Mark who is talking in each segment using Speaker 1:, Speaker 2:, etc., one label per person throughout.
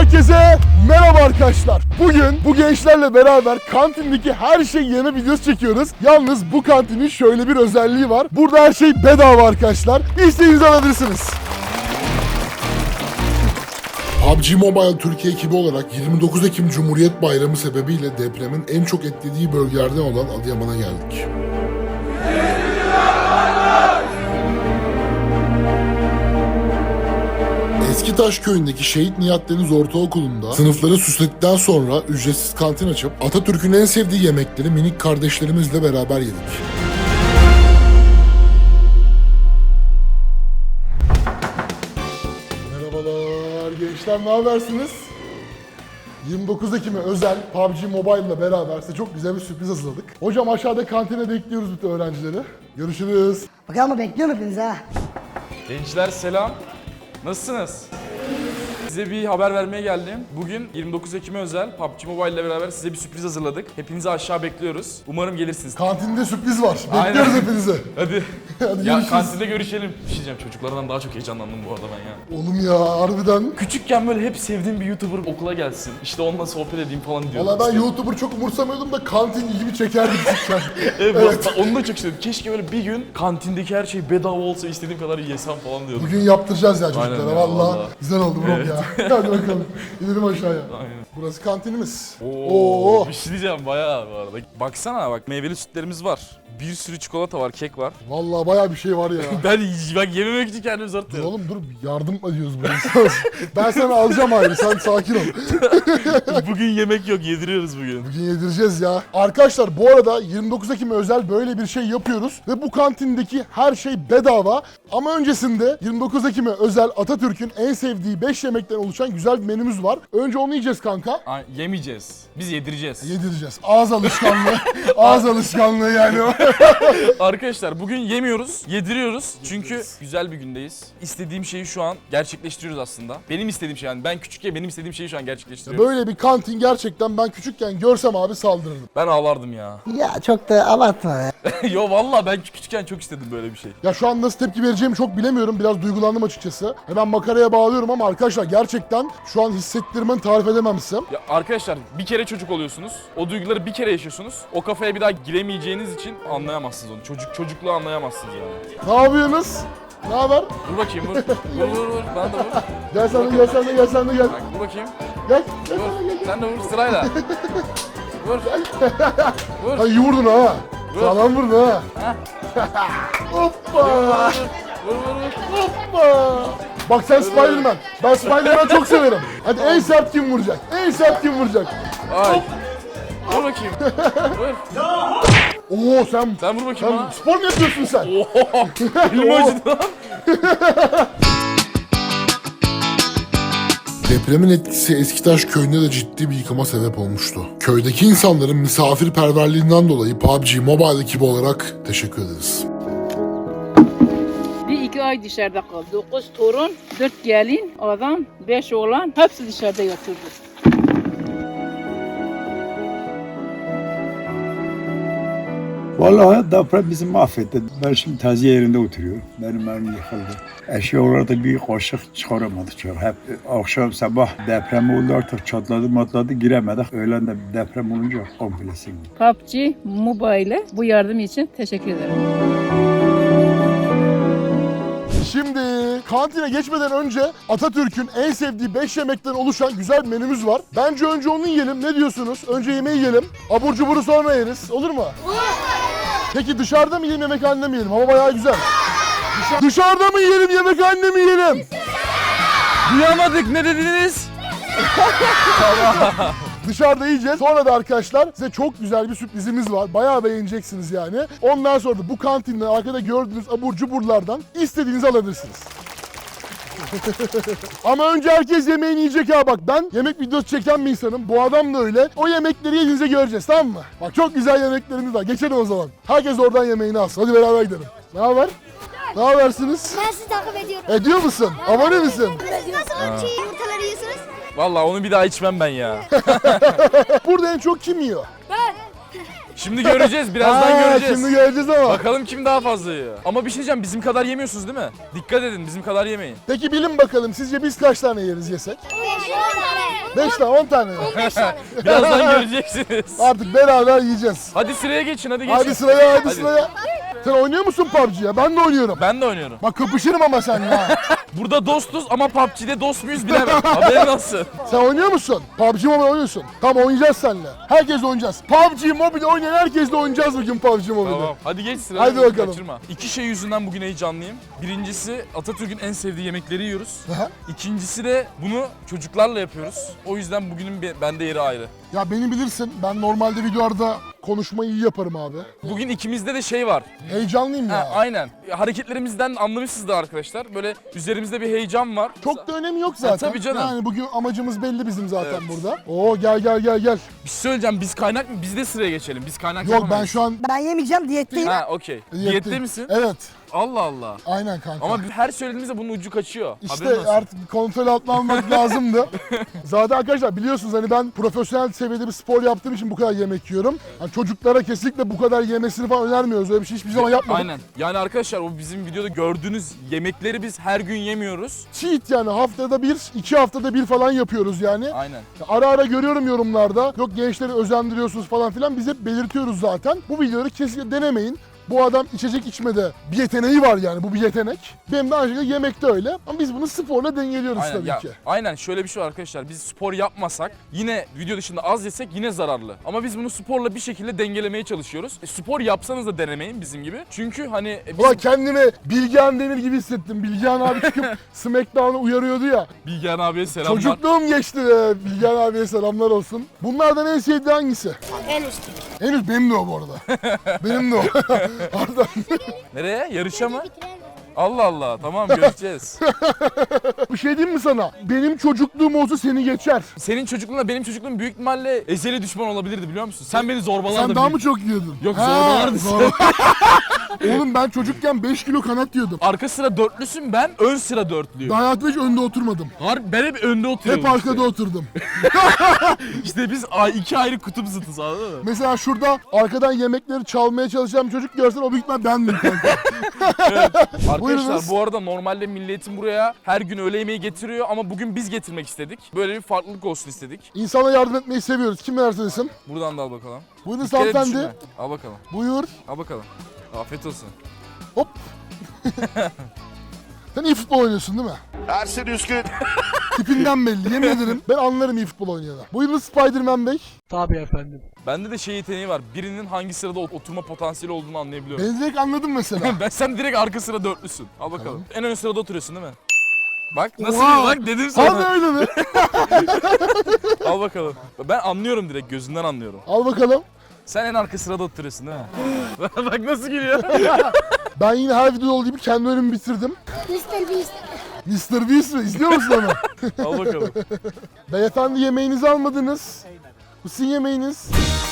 Speaker 1: Herkese merhaba arkadaşlar. Bugün bu gençlerle beraber kantindeki her şeyi yeme videosu çekiyoruz. Yalnız bu kantinin şöyle bir özelliği var. Burada her şey bedava arkadaşlar. İstediğinizi alabilirsiniz.
Speaker 2: PUBG Mobile Türkiye ekibi olarak 29 Ekim Cumhuriyet Bayramı sebebiyle depremin en çok etkilediği bölgelerden olan Adıyaman'a geldik. Eskitaş köyündeki Şehit Nihat Deniz Ortaokulu'nda sınıfları süsledikten sonra ücretsiz kantin açıp Atatürk'ün en sevdiği yemekleri minik kardeşlerimizle beraber yedik.
Speaker 1: Merhabalar gençler, ne habersiniz? 29 Ekim'e özel PUBG Mobile ile beraber size çok güzel bir sürpriz hazırladık. Hocam aşağıda kantine bekliyoruz bütün öğrencileri. Görüşürüz.
Speaker 3: Bakalım bekliyorum hepinizi ha.
Speaker 4: Gençler selam. Nasılsınız? Size bir haber vermeye geldim. Bugün 29 Ekim'e özel PUBG Mobile ile beraber size bir sürpriz hazırladık. Hepinizi aşağı bekliyoruz. Umarım gelirsiniz.
Speaker 1: Kantinde sürpriz var.
Speaker 4: Aynen.
Speaker 1: Bekliyoruz hepinizi.
Speaker 4: Hadi.
Speaker 1: Hadi
Speaker 4: Ya
Speaker 1: görüşürüz.
Speaker 4: kantinde görüşelim. Bir şey diyeceğim, çocuklardan daha çok heyecanlandım bu arada ben ya.
Speaker 1: Oğlum ya harbiden.
Speaker 4: Küçükken böyle hep sevdiğim bir YouTuber okula gelsin. İşte onunla sohbet edeyim falan diyordum.
Speaker 1: Valla ben
Speaker 4: İşte-
Speaker 1: YouTuber çok umursamıyordum da kantin ilgimi çekerdi küçükken.
Speaker 4: Evet. Onu da çok istedim. Keşke böyle bir gün kantindeki her şey bedava olsa, istediğim kadar yesem falan diyordum.
Speaker 1: Bugün yaptıracağız ya çocuklara
Speaker 4: Aynen ya,
Speaker 1: valla.
Speaker 4: vallahi.
Speaker 1: Güzel oldu bro ya. Hadi bakalım. İnelim aşağıya.
Speaker 4: Aynen.
Speaker 1: Burası kantinimiz.
Speaker 4: Oo. Bir şey diyeceğim bayağı bu arada. Baksana bak, meyveli sütlerimiz var. Bir sürü çikolata var, kek var.
Speaker 1: Valla baya bir şey var ya.
Speaker 4: Ben yememek için kendimi zor
Speaker 1: Dur
Speaker 4: tutuyorum.
Speaker 1: oğlum dur, yardım ediyoruz buraya. Ben sana alacağım ayrı, sen sakin ol.
Speaker 4: Bugün yemek yok, yediriyoruz bugün.
Speaker 1: Bugün yedireceğiz ya. Arkadaşlar bu arada 29 Ekim'e özel böyle bir şey yapıyoruz. Ve bu kantindeki her şey bedava. Ama öncesinde 29 Ekim'e özel Atatürk'ün en sevdiği 5 yemekten oluşan güzel bir menümüz var. Önce onu yiyeceğiz kanka.
Speaker 4: Yemeyeceğiz. Biz yedireceğiz.
Speaker 1: Yedireceğiz. Ağız alışkanlığı. Ağız alışkanlığı yani o.
Speaker 4: Arkadaşlar bugün yemiyoruz, yediriyoruz. Çünkü güzel bir gündeyiz. İstediğim şeyi şu an gerçekleştiriyoruz aslında. Benim istediğim şey, yani ben küçükken benim istediğim şeyi şu an gerçekleştiriyoruz.
Speaker 1: Böyle bir kantin gerçekten ben küçükken görsem abi saldırırdım.
Speaker 4: Ben ağlardım ya.
Speaker 3: Ya çok da abartma be.
Speaker 4: Yo vallahi ben küçükken çok istedim böyle bir şey.
Speaker 1: Ya şu an nasıl tepki vereceğimi çok bilemiyorum. Biraz duygulandım açıkçası. Hemen makaraya bağlıyorum ama arkadaşlar gerçekten şu an hissettirmemi tarif edemem size.
Speaker 4: Ya arkadaşlar bir kere çocuk oluyorsunuz. O duyguları bir kere yaşıyorsunuz. O kafaya bir daha giremeyeceğiniz için anlayamazsınız onu. Çocukluğu anlayamazsınız yani.
Speaker 1: Ne yapıyorsunuz? Ne haber?
Speaker 4: Vur bakayım vur. Vur. Ben de vur.
Speaker 1: Gel sen de gel sen de gel sen de gel.
Speaker 4: Bak, vur bakayım.
Speaker 1: Gel.
Speaker 4: Vur. Sen de vur sırayla. Vur. Vur.
Speaker 1: Ha iyi vurdun ha.
Speaker 4: Vur.
Speaker 1: Sağlam vurdun ha. Hoppa.
Speaker 4: Vur.
Speaker 1: Hoppa. Bak sen Spiderman. Ben Spiderman'ı çok severim. Hadi en sert kim vuracak? En sert kim vuracak?
Speaker 4: Ay. Vur bakayım. Vur.
Speaker 1: Oo sen
Speaker 4: Sen vur bakayım
Speaker 1: sen
Speaker 4: bana.
Speaker 1: spor mu yapıyorsun sen?
Speaker 4: Oho. Elim acıdı lan.
Speaker 2: Depremin etkisi Eskitaş köyünde de ciddi bir yıkıma sebep olmuştu. Köydeki insanların misafirperverliğinden dolayı PUBG Mobile ekibi olarak teşekkür ederiz.
Speaker 5: Bir iki ay dışarıda kaldı. 9 torun, 4 gelin, adam, 5 oğlan hepsi dışarıda yatırdı.
Speaker 6: Vallahi deprem bizi mahvetti. Ben şimdi taziye yerinde oturuyorum. Benim evim yıkıldı. Eşyalarda bir kaşık çıkaramadık. Hep akşam sabah deprem oldu, artık çatladı matladı giremedik. Öğlen de deprem olunca komple sildi.
Speaker 5: PUBG Mobile bu yardım için teşekkür ederim.
Speaker 1: Şimdi kantine geçmeden önce Atatürk'ün en sevdiği 5 yemekten oluşan güzel bir menümüz var. Bence önce onu yiyelim. Ne diyorsunuz? Önce yemeği yiyelim. Abur cuburu sonra yeriz. Olur mu? Peki dışarıda mı yiyelim, yemekhanede mi yiyelim? Hava bayağı güzel. Dışarıda mı yiyelim, yemekhanede mi yiyelim?
Speaker 4: Duyamadık, ne dediniz?
Speaker 1: Dışarıda yiyeceğiz. Sonra da arkadaşlar size çok güzel bir sürprizimiz var. Bayağı beğeneceksiniz yani. Ondan sonra da bu kantinden arkada gördüğünüz abur cuburlardan istediğinizi alabilirsiniz. Ama önce herkes yemeğini yiyecek ha, bak ben yemek videosu çeken bir insanım. Bu adam da öyle. O yemekleri yediğinizde göreceğiz, tamam mı? Bak çok güzel yemeklerimiz var. Geçelim o zaman. Herkes oradan yemeğini alsın. Hadi beraber gidelim. Ne haber? Ne habersiniz?
Speaker 7: Ben sizi takip ediyorum.
Speaker 1: Ediyor musun? Abone misin?
Speaker 7: Siz nasıl çiğ yumurtaları yiyorsunuz?
Speaker 4: Vallahi onu bir daha içmem ben ya.
Speaker 1: Burada en çok kim yiyor?
Speaker 4: Şimdi göreceğiz, birazdan göreceğiz.
Speaker 1: Şimdi göreceğiz ama.
Speaker 4: Bakalım kim daha fazla yiyor. Ama bir şey diyeceğim, bizim kadar yemiyorsunuz değil mi? Dikkat edin, bizim kadar yemeyin.
Speaker 1: Peki bilin bakalım sizce biz kaç tane yeriz yesek?
Speaker 7: 5-10 tane.
Speaker 1: 5 tane 10 tane.
Speaker 7: 5 tane.
Speaker 4: Birazdan göreceksiniz.
Speaker 1: Artık beraber yiyeceğiz.
Speaker 4: Hadi sıraya geçin, hadi geçin.
Speaker 1: Hadi sıraya hadi
Speaker 4: Hadi.
Speaker 1: sıraya. Sen oynuyor musun PUBG ya? Ben de oynuyorum.
Speaker 4: Ben de oynuyorum.
Speaker 1: Bak kapışırım ama seninle ha.
Speaker 4: Burada dostuz ama PUBG'de dost muyuz bilemem. Haberin olsun.
Speaker 1: Sen oynuyor musun? PUBG Mobile oynuyorsun. Tamam oynayacağız seninle. Herkes oynayacağız. PUBG Mobile oynayan herkesle oynayacağız bugün PUBG Mobile'de.
Speaker 4: Tamam. Hadi geç sıraya.
Speaker 1: Hadi bakalım.
Speaker 4: Kaçırma. İki şey yüzünden bugün heyecanlıyım. Birincisi Atatürk'ün en sevdiği yemekleri yiyoruz.
Speaker 1: Aha.
Speaker 4: İkincisi de bunu çocuklarla yapıyoruz. O yüzden bugünün bende yeri ayrı.
Speaker 1: Ya beni bilirsin. Ben normalde videolarda konuşmayı iyi yaparım abi.
Speaker 4: Bugün ikimizde de şey var.
Speaker 1: Heyecanlıyım
Speaker 4: Ha,
Speaker 1: ya.
Speaker 4: aynen. Hareketlerimizden anlamışsınızdır arkadaşlar. Böyle üzerimizde bir heyecan var.
Speaker 1: Çok da önemi yok zaten.
Speaker 4: tabii canım.
Speaker 1: Yani bugün amacımız belli bizim zaten
Speaker 4: Evet.
Speaker 1: burada. Oo gel gel gel gel.
Speaker 4: Bir şey söyleyeceğim. Biz kaynak mı? Biz de sıraya geçelim. Biz kaynak
Speaker 1: Yok ben
Speaker 4: yapamayız.
Speaker 1: şu an
Speaker 3: Ben yemeyeceğim, diyetteyim.
Speaker 4: Ha okey. Diyette misin?
Speaker 1: Evet.
Speaker 4: Allah Allah.
Speaker 1: Aynen kanka.
Speaker 4: Ama her söylediğimizde bunun ucu kaçıyor.
Speaker 1: İşte
Speaker 4: Haberin olsun.
Speaker 1: artık bir kontrol altına almak lazımdı. Zaten arkadaşlar biliyorsunuz hani ben profesyonel seviyede bir spor yaptığım için bu kadar yemek yiyorum. Hani çocuklara kesinlikle bu kadar yemesini falan önermiyoruz. Öyle bir şey hiçbir zaman yapmadık.
Speaker 4: Aynen. Yani arkadaşlar o bizim videoda gördüğünüz yemekleri biz her gün yemiyoruz.
Speaker 1: Cheat yani haftada bir, 2 haftada bir falan yapıyoruz yani.
Speaker 4: Aynen.
Speaker 1: Ara ara görüyorum yorumlarda. Yok gençleri özendiriyorsunuz falan filan. Biz hep belirtiyoruz zaten. Bu videoları kesinlikle denemeyin. Bu adam içecek içmede bir yeteneği var yani bu bir yetenek. Benim de aynı şekilde yemekte öyle. Ama biz bunu sporla dengeliyoruz
Speaker 4: Aynen.
Speaker 1: tabii
Speaker 4: Ya,
Speaker 1: ki.
Speaker 4: aynen şöyle bir şey var arkadaşlar. Biz spor yapmasak yine video dışında az yesek yine zararlı. Ama biz bunu sporla bir şekilde dengelemeye çalışıyoruz. Spor yapsanız da denemeyin bizim gibi. Çünkü hani biz
Speaker 1: Ulan kendimi Bilgehan Demir gibi hissettim. Bilgehan abi çıkıp Smackdown'u uyarıyordu ya.
Speaker 4: Bilgehan abiye selamlar.
Speaker 1: Çocukluğum geçti be. Bilgehan abiye selamlar olsun. Bunlardan en sevdiği hangisi?
Speaker 7: En üst.
Speaker 1: Henüz benim de o bu arada. Benim de o. Arda.
Speaker 4: Nereye? Yarışa mı? Allah Allah. Tamam göreceğiz.
Speaker 1: Bir şey diyeyim mi sana? Benim çocukluğum olsa seni geçer.
Speaker 4: Senin çocukluğunla benim çocukluğum büyük ihtimalle ezeli düşman olabilirdi biliyor musun? Sen beni zorbalardın.
Speaker 1: Sen daha mı çok yiyordun?
Speaker 4: Yok,
Speaker 1: Ha,
Speaker 4: zorbalardın.
Speaker 1: Oğlum ben çocukken 5 kilo kanat yiyordum.
Speaker 4: Arka sıra dörtlüsün, ben ön sıra dörtlüyüm.
Speaker 1: Ben hayatımda hiç önde oturmadım.
Speaker 4: Ben hep önde oturuyorum.
Speaker 1: Hep arkada oturdum.
Speaker 4: İşte biz iki ayrı kutup zıtız anladın mı?
Speaker 1: Mesela şurada arkadan yemekleri çalmaya çalışan bir çocuk görsen o büyük ihtimal bendim kanka.
Speaker 4: Arkadaşlar
Speaker 1: Buyurunuz.
Speaker 4: bu arada normalde milletin buraya her gün öğle yemeği getiriyor ama bugün biz getirmek istedik. Böyle bir farklılık olsun istedik.
Speaker 1: İnsana yardım etmeyi seviyoruz. Kim verirse desin.
Speaker 4: Buradan da al bakalım.
Speaker 1: Buyurun
Speaker 4: Bir kere
Speaker 1: hanımefendi.
Speaker 4: düşünme. Al bakalım.
Speaker 1: Buyur.
Speaker 4: Al bakalım. Afiyet olsun.
Speaker 1: Hop. Sen iyi futbol oynuyorsun değil mi?
Speaker 8: Ersin Üskün.
Speaker 1: Tipinden belli. Yemin ederim ben anlarım iyi futbol oynayana. Buyurun Spider-Man Bey.
Speaker 4: Bende de şey yeteneği var. Birinin hangi sırada oturma potansiyeli olduğunu anlayabiliyorum.
Speaker 1: Ben direkt anladım mesela.
Speaker 4: Sen direkt arka sıra dörtlüsün. Al bakalım. En ön sırada oturuyorsun değil mi? Bak nasıl
Speaker 1: Oha!
Speaker 4: bak dedim
Speaker 1: Hadi
Speaker 4: sana.
Speaker 1: öyle mi?
Speaker 4: Al bakalım. Ben anlıyorum direkt gözünden anlıyorum.
Speaker 1: Al bakalım.
Speaker 4: Sen en arka sırada oturuyorsun değil mi? Bak nasıl gülüyor.
Speaker 1: Ben yine her videoda olduğu gibi kendi önümü bitirdim.
Speaker 7: Mr. Beast.
Speaker 1: Mr. Beast mi? İzliyor musun onu?
Speaker 4: Al bakalım.
Speaker 1: Beyefendi yemeğinizi almadınız. Bu sizin yemeğiniz.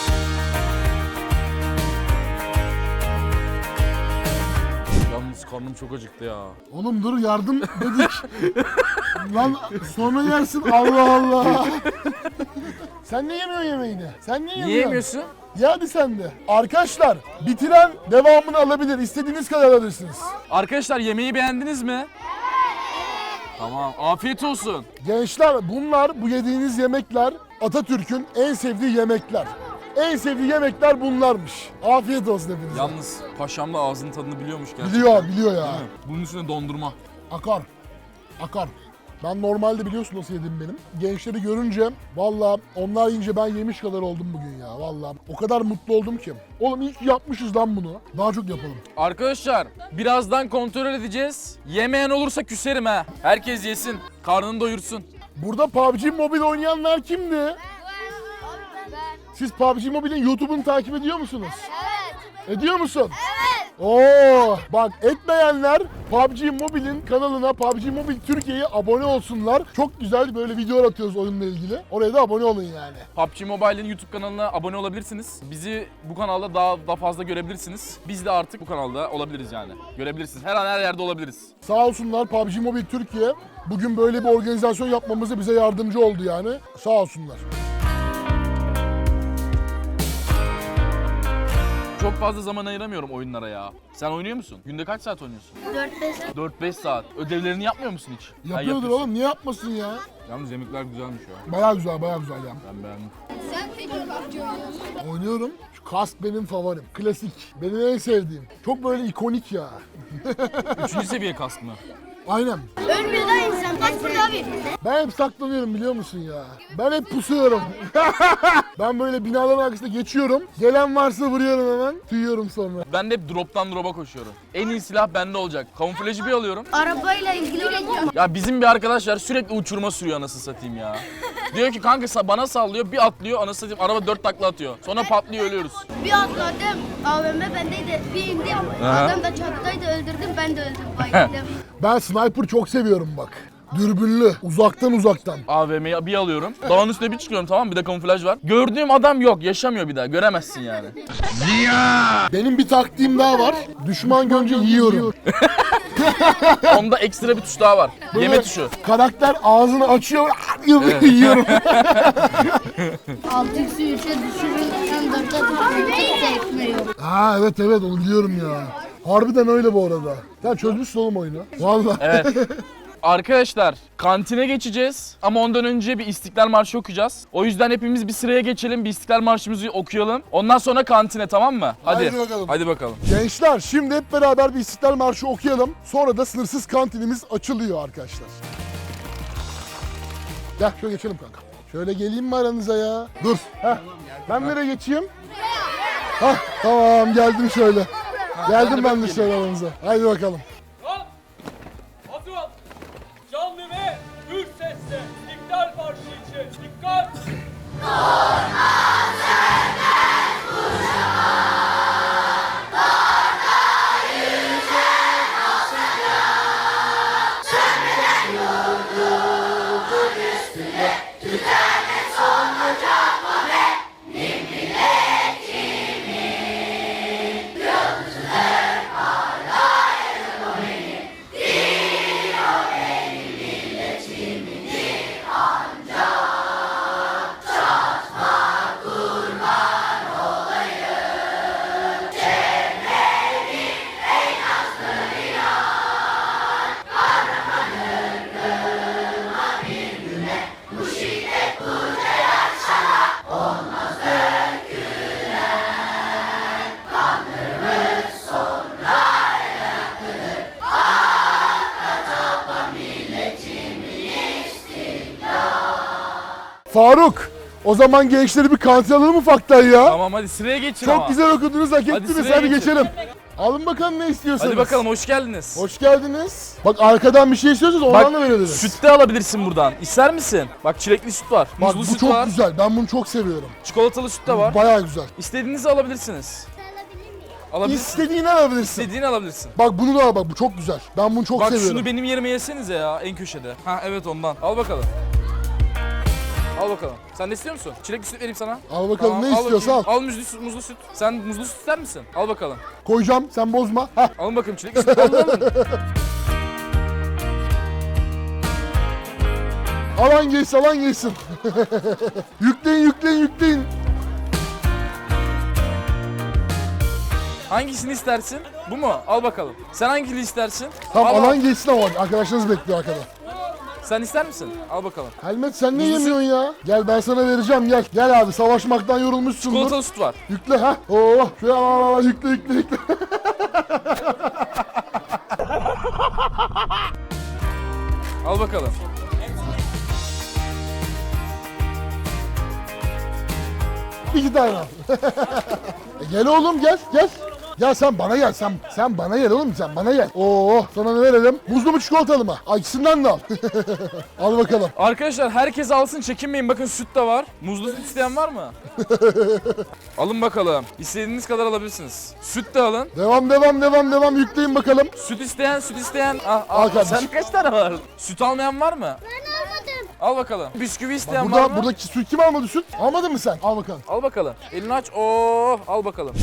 Speaker 4: Yalnız karnım çok acıktı ya.
Speaker 1: Oğlum dur yardım dedik. Lan sonra yersin Allah Allah. Sen ne yemiyorsun yemeğini? Sen niye
Speaker 4: Niye
Speaker 1: yemiyorsun?
Speaker 4: yemiyorsun?
Speaker 1: Ya hadi sen de. Arkadaşlar bitiren devamını alabilir. İstediğiniz kadar alırsınız.
Speaker 4: Arkadaşlar yemeği beğendiniz mi? Tamam. Afiyet olsun.
Speaker 1: Gençler bunlar bu yediğiniz yemekler Atatürk'ün en sevdiği yemekler. En sevdiği yemekler bunlarmış. Afiyet olsun hepinize.
Speaker 4: Yalnız paşam da ağzının tadını biliyormuş gerçekten.
Speaker 1: Biliyor ya.
Speaker 4: Değil mi? Bunun üstüne dondurma.
Speaker 1: Akar. Akar. Ben normalde biliyorsun nasıl yedim benim. Gençleri görünce valla onlar yiyince ben yemiş kadar oldum bugün ya valla. O kadar mutlu oldum ki. Oğlum iyi ki yapmışız lan bunu. Daha çok yapalım.
Speaker 4: Arkadaşlar birazdan kontrol edeceğiz. Yemeyen olursa küserim ha. Herkes yesin. Karnını doyursun.
Speaker 1: Burada PUBG Mobile oynayanlar kimdi? Siz PUBG Mobile'in YouTube'unu takip ediyor musunuz? Evet. Ediyor musun? Evet. Oo, bak etmeyenler PUBG Mobile'in kanalına PUBG Mobile Türkiye'ye abone olsunlar. Çok güzel böyle videolar atıyoruz oyunla ilgili. Oraya da abone olun yani.
Speaker 4: PUBG Mobile'in YouTube kanalına abone olabilirsiniz. Bizi bu kanalda daha fazla görebilirsiniz. Biz de artık bu kanalda olabiliriz yani. Görebilirsiniz. Her an her yerde olabiliriz.
Speaker 1: Sağ olsunlar PUBG Mobile Türkiye bugün böyle bir organizasyon yapmamıza bize yardımcı oldu yani. Sağ olsunlar.
Speaker 4: çok fazla zaman ayıramıyorum oyunlara ya. Sen oynuyor musun? Günde kaç saat oynuyorsun?
Speaker 7: 4-5
Speaker 4: 4-5 saat. Ödevlerini yapmıyor musun hiç? Ha,
Speaker 1: Yapıyordur
Speaker 4: yapıyorsun.
Speaker 1: oğlum, niye yapmasın ya?
Speaker 4: Yalnız yemekler güzelmiş ya.
Speaker 1: Baya güzel ya.
Speaker 4: Ben beğendim.
Speaker 7: Sen peki PUBG oynuyorsun.
Speaker 1: Oynuyorum. Şu kask benim favorim. Klasik. Benim en sevdiğim. Çok böyle ikonik ya.
Speaker 4: 3. seviye kask mı?
Speaker 1: Aynen.
Speaker 7: Ölmüyor da insan. Kaç burada abi?
Speaker 1: Ben hep saklanıyorum biliyor musun ya? Ben hep pusuyorum. Ben böyle binaların arkasında geçiyorum. Gelen varsa vuruyorum hemen. Tüyüyorum sonra.
Speaker 4: Ben de hep drop'tan drop'a koşuyorum. En iyi silah bende olacak. Kamuflajı bir alıyorum.
Speaker 7: Arabayla ilgili olan var mı?
Speaker 4: Ya bizim bir arkadaş var sürekli uçurma sürüyor anasını satayım ya. Diyor ki kanka bana sallıyor bir atlıyor anasını satayım araba 4 takla atıyor. Sonra patlıyor ölüyoruz.
Speaker 7: Bir atladım. AVM bendeydi. Bir indim. Adam da çattaydı. Öldürdüm. Ben de öldüm. Bayıldım.
Speaker 1: Ben sniper çok seviyorum bak. Dürbünlü. Uzaktan.
Speaker 4: AVM'yi bir alıyorum. Dağın üstüne bir çıkıyorum tamam mı? Bir de kamuflaj var. Gördüğüm adam yok. Yaşamıyor bir daha. Göremezsin yani.
Speaker 1: Benim bir taktiğim daha var. Düşman görünce yiyorum.
Speaker 4: Onda ekstra bir tuş daha var. Yeme tuşu.
Speaker 1: Karakter ağzını açıyor. Yiyorum.
Speaker 7: 6x'i 3'e düşürürken 4'e düşürürken kimse etmiyor.
Speaker 1: Ha evet onu biliyorum ya. Harbiden öyle bu arada. Sen çözmüşsün oğlum oyunu. Vallahi.
Speaker 4: Evet. Arkadaşlar kantine geçeceğiz ama ondan önce bir İstiklal Marşı okuyacağız. O yüzden hepimiz bir sıraya geçelim, bir İstiklal Marşımızı okuyalım. Ondan sonra kantine tamam mı? Hadi.
Speaker 1: Haydi bakalım.
Speaker 4: Hadi bakalım.
Speaker 1: Gençler şimdi hep beraber bir İstiklal Marşı okuyalım. Sonra da sınırsız kantinimiz açılıyor arkadaşlar. Gel şöyle geçelim kanka. Şöyle geleyim mi aranıza ya? Dur. Heh. Ben nereye geçeyim? Hah tamam geldim şöyle. Geldim ben de şöyle aranıza. Haydi bakalım.
Speaker 8: Hazır ol. Canlı ve gür sesle İstiklal Marşı için dikkat.
Speaker 1: Faruk. O zaman gençleri bir kantin alalım ufaktan ya.
Speaker 4: Tamam hadi sıraya geçin ama.
Speaker 1: Çok güzel okudunuz, hak ettiniz.
Speaker 4: sıraya
Speaker 1: Hadi
Speaker 4: geçin.
Speaker 1: geçelim. Alın bakalım ne istiyorsanız.
Speaker 4: Hadi bakalım hoş geldiniz.
Speaker 1: Hoş geldiniz. Bak arkadan bir şey istiyorsanız ondan da verebiliriz.
Speaker 4: Süt de alabilirsin buradan. İster misin? Bak çilekli süt var.
Speaker 1: Bak
Speaker 4: Muzlu
Speaker 1: bu
Speaker 4: süt
Speaker 1: çok
Speaker 4: var.
Speaker 1: güzel. Ben bunu çok seviyorum.
Speaker 4: Çikolatalı süt de var.
Speaker 1: Bayağı güzel.
Speaker 4: İstediğinizi alabilirsiniz. Alabilirsin.
Speaker 1: İstediğini alabilirsin.
Speaker 4: İstediğini alabilirsin.
Speaker 1: Bak bunu da al bak bu çok güzel. Ben bunu çok
Speaker 4: Bak
Speaker 1: seviyorum.
Speaker 4: şunu benim yerime yesenize ya en köşede. Ha evet ondan. Al bakalım. Al bakalım. Sen de istiyor musun? Çilekli süt vereyim sana.
Speaker 1: Al bakalım
Speaker 4: Tamam,
Speaker 1: ne istiyorsan al.
Speaker 4: bakayım. Al muzlu süt. Sen muzlu süt ister misin? Al bakalım.
Speaker 1: Koyacağım sen bozma. Heh.
Speaker 4: Alın bakayım çilekli süt. Alın.
Speaker 1: Alan gelsin. Yükleyin.
Speaker 4: Hangisini istersin? Bu mu? Al bakalım. Sen hangisini istersin?
Speaker 1: Tamam
Speaker 4: Al, al.
Speaker 1: alan gelsin ama arkadaşlarınız bekliyor arkada.
Speaker 4: Sen ister misin? Al bakalım.
Speaker 1: Helmet sen ne
Speaker 4: Muzlu
Speaker 1: yemiyorsun ya? Gel ben sana vereceğim gel. Gel abi savaşmaktan yorulmuşsundur.
Speaker 4: Çikolatalı süt var.
Speaker 1: Yükle ha. Oo, şöyle al, yükle.
Speaker 4: Al bakalım.
Speaker 1: İki tane al. Gel oğlum gel. Ya sen bana gel. Sen bana gel oğlum sen bana gel. Oo sana ne verelim? Muzlu mu çikolatalı mı? Ay ikisinden de al. Al bakalım.
Speaker 4: Arkadaşlar herkes alsın çekinmeyin. Bakın süt de var. Muzlu süt isteyen var mı? Alın bakalım. İstediğiniz kadar alabilirsiniz. Süt de alın.
Speaker 1: Devam yükleyin bakalım.
Speaker 4: Süt isteyen.
Speaker 1: Al
Speaker 4: Al
Speaker 1: kardeşim.
Speaker 4: sen kaç tane var? Süt almayan var mı?
Speaker 7: Ben almadım.
Speaker 4: Al bakalım. Bisküvi isteyen var mı?
Speaker 1: Buradaki süt kim almadı süt? Almadın mı sen? Al bakalım.
Speaker 4: Al bakalım. Elini aç. Oo, al bakalım.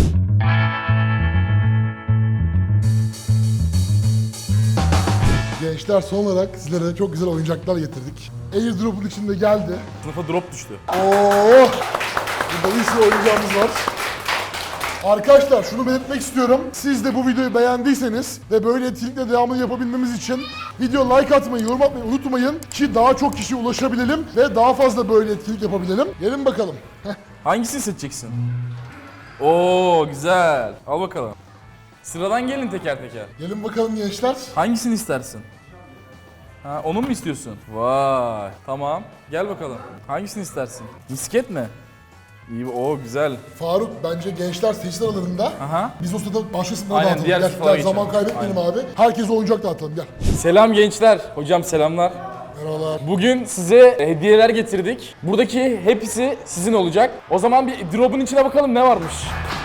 Speaker 1: Gençler son olarak sizlere çok güzel oyuncaklar getirdik. Airdrop'un içinde geldi.
Speaker 4: Sınıfa drop düştü.
Speaker 1: Oo! Burada bir sürü oyuncağımız var. Arkadaşlar şunu belirtmek istiyorum. Siz de bu videoyu beğendiyseniz ve böyle etkinlikle devamını yapabilmemiz için video like atmayı, yorum atmayı unutmayın ki daha çok kişiye ulaşabilelim ve daha fazla böyle etkinlik yapabilelim. Gelin bakalım.
Speaker 4: Hangisini seçeceksin? Oo güzel. Al bakalım. Sıradan gelin teker teker.
Speaker 1: Gelin bakalım gençler.
Speaker 4: Hangisini istersin? Ha, onu mu istiyorsun? Vay. Tamam. Gel bakalım. Hangisini istersin? Misket mi? İyi. O güzel.
Speaker 1: Faruk bence gençler seçti aralarında.
Speaker 4: Aha.
Speaker 1: Biz o sırada başka sınıflara
Speaker 4: Aynen,
Speaker 1: dağıtalım.
Speaker 4: diğer
Speaker 1: Gel,
Speaker 4: sınıflara
Speaker 1: gel, zaman
Speaker 4: geçelim.
Speaker 1: kaybetmeyelim abi. Herkese oyuncak dağıtalım gel.
Speaker 4: Selam gençler. Hocam selamlar.
Speaker 1: Merhabalar.
Speaker 4: Bugün size hediyeler getirdik. Buradaki hepsi sizin olacak. O zaman bir drop'un içine bakalım ne varmış.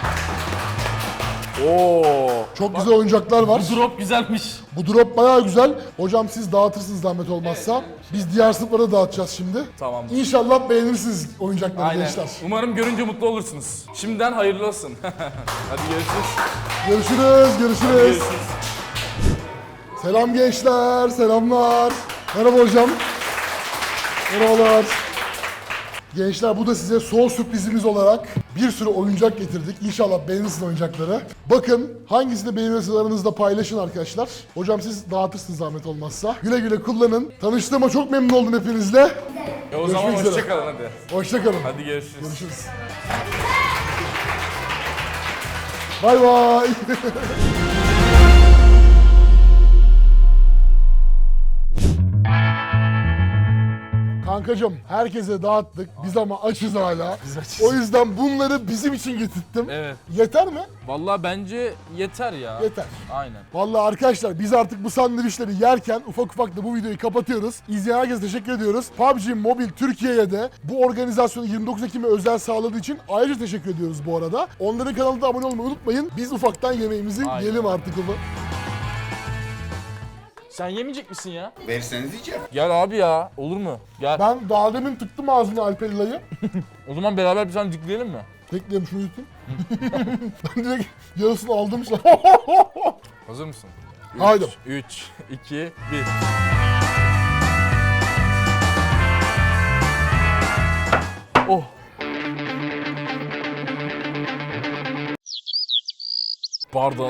Speaker 4: Oo.
Speaker 1: Çok güzel oyuncaklar var.
Speaker 4: Bu drop güzelmiş.
Speaker 1: Bu drop bayağı güzel. Hocam siz dağıtırsınız zahmet olmazsa. Biz diğer sınıflara dağıtacağız şimdi.
Speaker 4: Tamam.
Speaker 1: İnşallah beğenirsiniz oyuncakları
Speaker 4: Aynen.
Speaker 1: gençler.
Speaker 4: Umarım görünce mutlu olursunuz. Şimdiden hayırlı olsun. Hadi görüşürüz.
Speaker 1: Görüşürüz, görüşürüz.
Speaker 4: Görüşürüz.
Speaker 1: Selam gençler, selamlar. Merhaba hocam. Merhabalar. Gençler bu da size son sürprizimiz olarak bir sürü oyuncak getirdik. İnşallah beğenirsiniz oyuncakları. Bakın hangisini beğenirsiniz aranızda paylaşın arkadaşlar. Hocam siz dağıtırsınız zahmet olmazsa. Güle güle kullanın. Tanıştığıma çok memnun oldum hepinizle.
Speaker 4: O zaman
Speaker 1: Görüşmek üzere.
Speaker 4: hoşçakalın hadi.
Speaker 1: Hoşçakalın.
Speaker 4: Hadi görüşürüz.
Speaker 1: Görüşürüz. Bay bay. Kankacım herkese dağıttık. Biz ama açız hala. O yüzden bunları bizim için getirttim.
Speaker 4: Evet.
Speaker 1: Yeter mi?
Speaker 4: Vallahi bence yeter ya.
Speaker 1: Yeter.
Speaker 4: Aynen.
Speaker 1: Vallahi arkadaşlar biz artık bu sandviçleri yerken ufak ufak da bu videoyu kapatıyoruz. İzleyen herkese teşekkür ediyoruz. PUBG Mobile Türkiye'ye de bu organizasyonu 29 Ekim'e özel sağladığı için ayrıca teşekkür ediyoruz bu arada. Onların kanalına abone olmayı unutmayın. Biz ufaktan yemeğimizi
Speaker 4: Aynen.
Speaker 1: yiyelim artık onu.
Speaker 4: Sen yemeyecek misin ya?
Speaker 9: Verirseniz yiyeceğim.
Speaker 4: Gel abi ya. Olur mu? Gel.
Speaker 1: Ben daha demin tıktım ağzına Alperila'yı.
Speaker 4: O zaman beraber bir tane dikleyelim mi?
Speaker 1: Bekleyelim şunu yutayım. Ben direkt yarısını aldım.
Speaker 4: Hazır mısın?
Speaker 1: Haydi.
Speaker 4: 3, 2, 1. Oh. Pardon.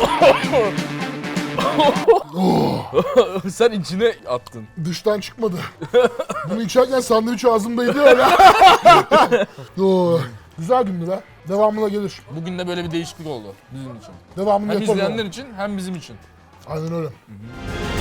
Speaker 4: Sen içine attın.
Speaker 1: Dıştan çıkmadı. Bunu içerken sandviç ağzımdaydı öyle. Oo, güzel gündü be. Devamına gelir.
Speaker 4: Bugün de böyle bir değişiklik oldu bizim için.
Speaker 1: Devamını
Speaker 4: Hem
Speaker 1: yaparız.
Speaker 4: izleyenler için hem bizim için.
Speaker 1: Aynen öyle.